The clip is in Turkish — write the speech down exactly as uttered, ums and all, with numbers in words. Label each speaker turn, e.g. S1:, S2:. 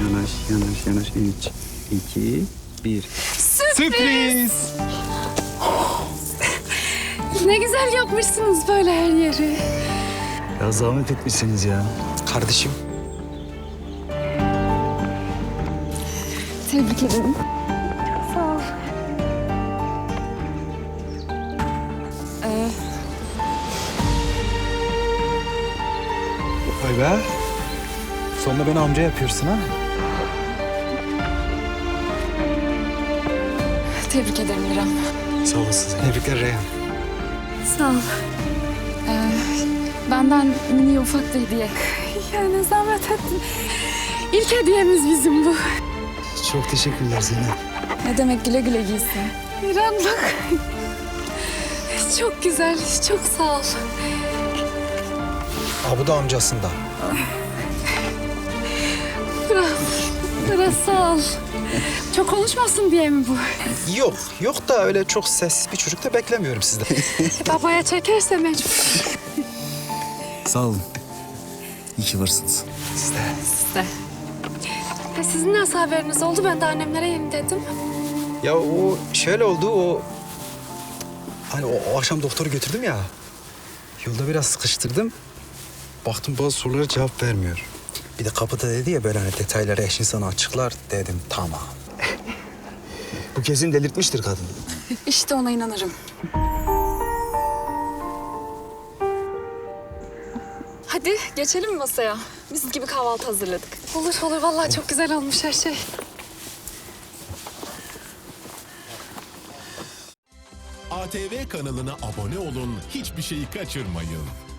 S1: Yanaş, yanaş, yanaş. Üç, iki, bir.
S2: Sürpriz!
S3: Ne güzel yapmışsınız böyle her yeri.
S1: Ya zahmet etmişsiniz ya.
S2: Kardeşim.
S3: Tebrik ederim. Sağ ol. Ee,
S2: Vay be. Sonunda beni amca yapıyorsun ha.
S3: tebrik ederim İrem.
S2: Sağ olasın. Tebrikler Reyhan.
S3: Sağ ol. Ee, benden mini ufak bir hediye. Yani zahmet ettin. İlk hediyemiz bizim bu.
S2: Çok teşekkürler Zeynep.
S3: Ne demek, güle güle giysin. İrem bak. Çok güzel, çok sağ ol.
S2: Aa, bu da amcasında.
S3: Biraz, biraz sağ ol. Çok konuşmasın diye mi bu?
S2: Yok, yok da öyle çok sessiz bir çocuk da beklemiyorum sizden.
S3: Babaya çekerse mecbur.
S1: Sağ olun. İyi ki varsınız.
S2: Siz de.
S3: Size. Ya sizin nasıl haberiniz oldu? Ben de annemlere yeni dedim.
S2: Ya o şöyle oldu, o... Hani o, o akşam doktoru götürdüm ya. Yolda biraz sıkıştırdım. Baktım bazı sorulara cevap vermiyor. Bir de kapıda dedi ya böyle hani detayları eşin sana açıklar, dedim tamam.
S1: Bu kesin delirtmiştir kadın.
S3: İşte ona inanırım. Hadi geçelim mi masaya? Biz gibi kahvaltı hazırladık. Olur olur, vallahi çok güzel olmuş her şey.
S4: A T V kanalına abone olun, hiçbir şeyi kaçırmayın.